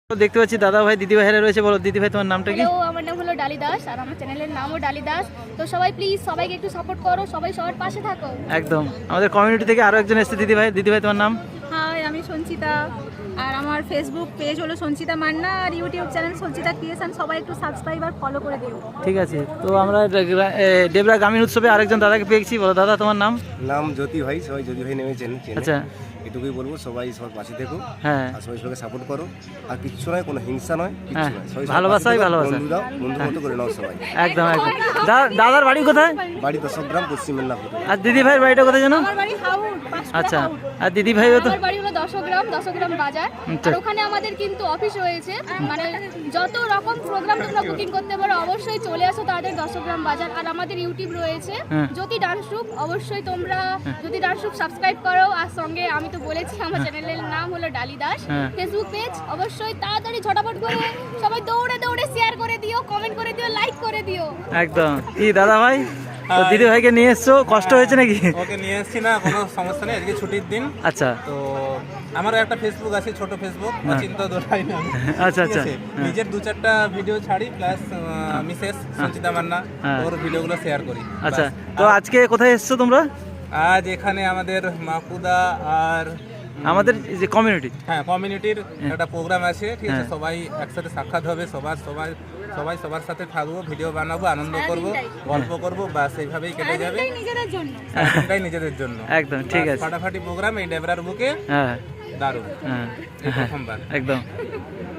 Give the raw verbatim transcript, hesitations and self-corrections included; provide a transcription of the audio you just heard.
দেখতে পাচ্ছি দাদা ভাই দিদি ভাইরা রয়েছে। বলো দিদি ভাই তোমার নামটা কি? হ্যালো, আমার নাম হলো ডালি দাস আর আমার চ্যানেলের নামও ডালি দাস। তো সবাই প্লিজ সবাইকে একটু সাপোর্ট করো, সবাই সবার পাশে থাকো। একদম। আমাদের কমিউনিটি থেকে আরো একজন এসেছে দিদি ভাই। দিদি ভাই তোমার নাম? হাই, আমি সঞ্চিতা আর আমার ফেসবুক পেজ হলো সঞ্চিতা মান্না আর ইউটিউব চ্যানেল সঞ্চিতা ক্রিয়েশন। সবাই একটু সাবস্ক্রাইব আর ফলো করে দিও। ঠিক আছে। তো আমরা ডেবরা গ্রামীণ উৎসবে আরেকজন দাদাকে পেয়েছি। বলো দাদা তোমার নাম? নাম জ্যোতি ভাই, সবাই জ্যোতি ভাই নেমে চেনে। আচ্ছা, এটুকুই বলবো, সবাই সবার পাশে থেকো। হ্যাঁ, আর সবাই সবাইকে সাপোর্ট করো। আর কিচ্ছু নয়, কোনো হিংসা নয়, কিচ্ছু হ্যাঁ, নয়। সবাই সবার ভালোবাসাই পাশে থেকো, ভালোবাসা। বন্ধু দাও, বন্ধু মতো করে নাও সবাই। একদম একদম। দা- দাদার বাড়ি কোথায়? বাড়ি দশগ্রাম, পশ্চিম মেদিনীপুর। আর দিদি ভাইয়ের বাড়িটা কোথায় জানো? আমার বাড়ি হাউড, পাঁচটা আচ্ছা। হাউড। আর দিদি ভাইও তো? আমার বাড়ি হলো দশগ্রাম, দশগ্রাম বাজার। আচ্ছা। আর ওখানে আমাদের কিন্তু অফিস রয়েছে, মানে যত রকম প্রোগ্রাম তোমরা বুকিং করতে পারো অবশ্যই চলে আসো তাদের দশগ্রাম বাজার। আর আমাদের ইউটিউব রয়েছে হ্যাঁ। জ্যোতি ডান্স গ্রুপ, অবশ্যই তোমরা জ্যোতি ডান্স গ্রুপ সাবস্ক্রাইব করো। আর সঙ্গে আমি তো বলেছি আমার চ্যানেলের নাম হলো ডালি দাস। হ্যাঁ। ফেসবুক পেজ অবশ্যই তাড়াতাড়ি ঝটাপট করে সবাই দৌড়ে দৌড়ে শেয়ার করে দিও, কমেন্ট করে দিও, লাইক করে দিও। একদম। কি দাদা ভাই, তো দিদি ভাইকে নিয়ে এসছো, কষ্ট হয়েছে নাকি? ওকে নিয়ে এসেছি না, কোনো সমস্যা নেই, আজকে ছুটির দিন। আচ্ছা তো আমারও একটা ফেসবুক আছে, ছোট ফেসবুক, চিন্তা দোলাই না। আচ্ছা, ঠিক আচ্ছা। আছে? হ্যাঁ। নিজের দু চারটা ভিডিও ছাড়ি, প্লাস মিসেস সঞ্চিতা মান্না হ্যাঁ। ওর ভিডিওগুলো শেয়ার করি। আচ্ছা, ব্যাস। তো আজকে কোথায় এসছো তোমরা? আজ এখানে আমাদের মাকুদা আর আমাদের যে কমিউনিটি। হ্যাঁ কমিউনিটির একটা প্রোগ্রাম আছে, ঠিক আছে? হ্যাঁ। সবাই একসাথে সাক্ষাৎ হবে, সবার সবাই সবাই সবার সাথে থাকবো, ভিডিও বানাবো, আনন্দ করব, গল্প করব, বাস এইভাবেই কেটে যাবে। এটাই নিজেদের জন্য। এটাই নিজেদের জন্য। একদম ঠিক বাস, আছে। ফাটাফাটি প্রোগ্রাম এই ডেবরার বুকে, হ্যাঁ দারুণ, হ্যাঁ এই প্রথমবার। একদম।